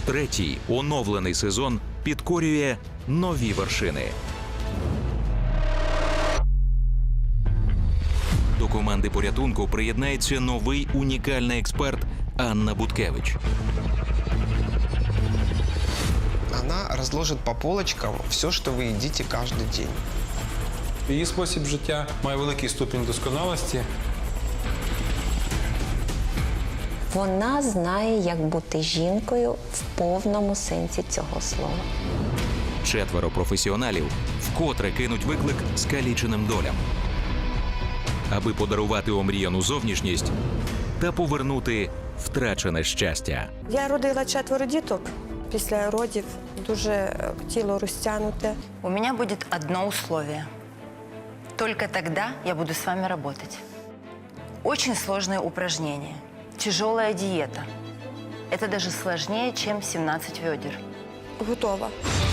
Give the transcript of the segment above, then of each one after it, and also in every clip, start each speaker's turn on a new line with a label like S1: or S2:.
S1: Третій оновлений сезон підкорює нові вершини. До команди порятунку приєднається новий унікальний експерт Анна Буткевич.
S2: Она разложит по полочкам все, что вы едите каждый день.
S3: Її спосіб життя має великий ступінь досконалості.
S4: Вона знає, як бути жінкою в повному сенсі цього слова.
S1: Четверо професіоналів вкотре кинуть виклик скаліченим долям, аби подарувати омріяну зовнішність та повернути втрачене щастя.
S5: Я родила 4 діток. Після родів дуже тіло розтягнуте.
S6: У меня будет одно условие. Только тогда я буду с вами работать. Очень сложные упражнения. Тяжелая диета. Это даже сложнее, чем 17 ведер.
S5: Готова.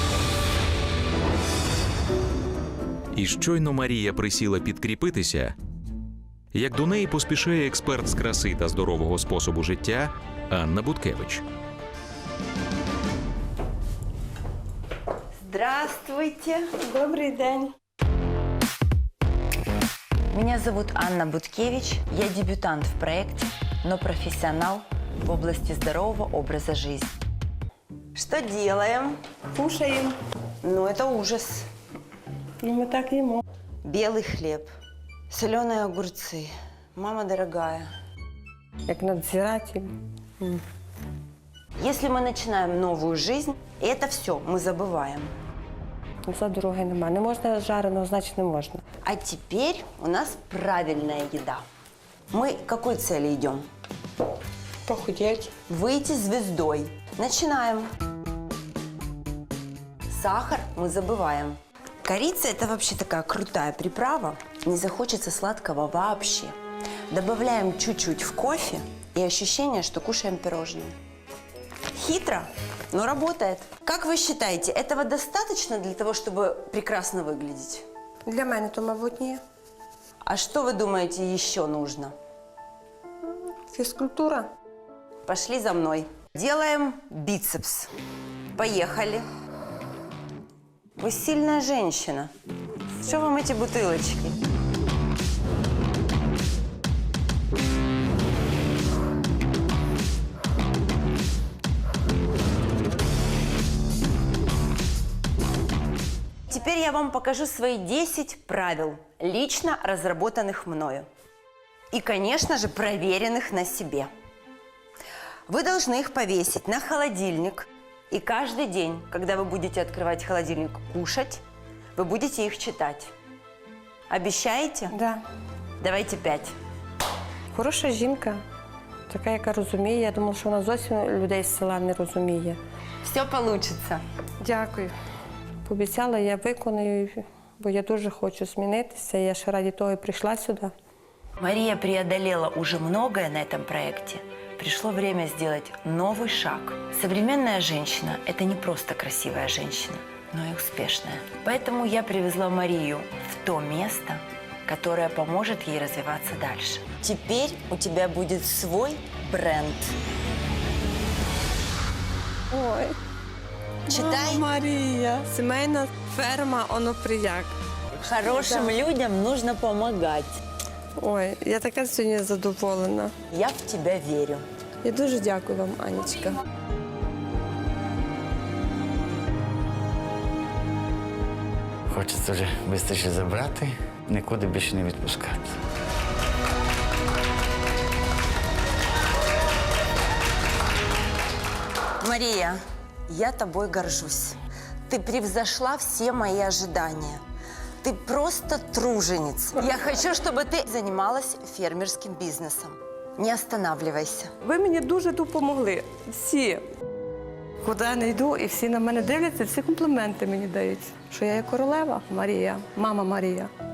S1: І щойно Марія присіла підкріпитися, як до неї поспішає експерт з краси та здорового способу життя Анна Буткевич.
S6: Здравствуйте.
S5: Добрий день.
S6: Меня зовут Анна Буткевич. Я дебютант в проекте, но профессионал в области здорового образа жизни. Что делаем?
S5: Кушаємо.
S6: Ну, это ужас.
S5: Ну, ми так їмо.
S6: Белый хлеб, соленые огурцы. Мама дорогая.
S5: Як надзиратель.
S6: Если мы начинаем новую жизнь, это все мы забываем.
S5: За дороги нема. Не можна жареного, значить не можна.
S6: А теперь у нас правильная еда. Мы к какой цели идем?
S5: Похудеть.
S6: Выйти звездой. Начинаем. Сахар мы забываем. Корица – это вообще такая крутая приправа. Не захочется сладкого вообще. Добавляем чуть-чуть в кофе и ощущение, что кушаем пирожные. Хитро, но работает. Как вы считаете, этого достаточно для того, чтобы прекрасно выглядеть?
S5: Для мене то, мабуть, ні.
S6: А что вы думаете еще нужно?
S5: Фізкультура.
S6: Пошли за мной. Делаем бицепс. Поехали. Вы сильная женщина. Что вам эти бутылочки? Теперь я вам покажу свои 10 правил, лично разработанных мною. И, конечно же, проверенных на себе. Вы должны их повесить на холодильник. И каждый день, когда вы будете открывать холодильник, кушать, вы будете их читать. Обещаете?
S5: Да.
S6: Давайте 5.
S5: Хороша жінка. Така, яка розуміє. Я думала, що вона зовсім людей з села не розуміє.
S6: Все получится.
S5: Дякую. Пообіцяла, я виконую, бо я дуже хочу змінитися. Я ще раді того і прийшла сюди.
S6: Мария преодолела уже многое на этом проекте. Пришло время сделать новый шаг. Современная женщина – это не просто красивая женщина, но и успешная. Поэтому я привезла Марию в то место, которое поможет ей развиваться дальше. Теперь у тебя будет свой бренд.
S5: Ой.
S6: Читай.
S5: Марія. Сімейна ферма Оноприяк.
S6: Хорошим людям нужно помогать.
S5: Ой, я така сьогодні задоволена.
S6: Я в тебя верю.
S5: Я дуже дякую вам, Анечка.
S7: Хочеться вже швидше забрати, нікуди більше не відпускати.
S6: Мария, я тобой горжусь. Ты превзошла все мои ожидания. Ты просто труженица. Я хочу, чтобы ты занималась фермерским бизнесом. Не останавливайся.
S5: Ви мені дуже допомогли. Всі. Куди я не йду, і всі на мене дивляться, всі компліменти мені дають. Що я є королева Марія, мама Марія.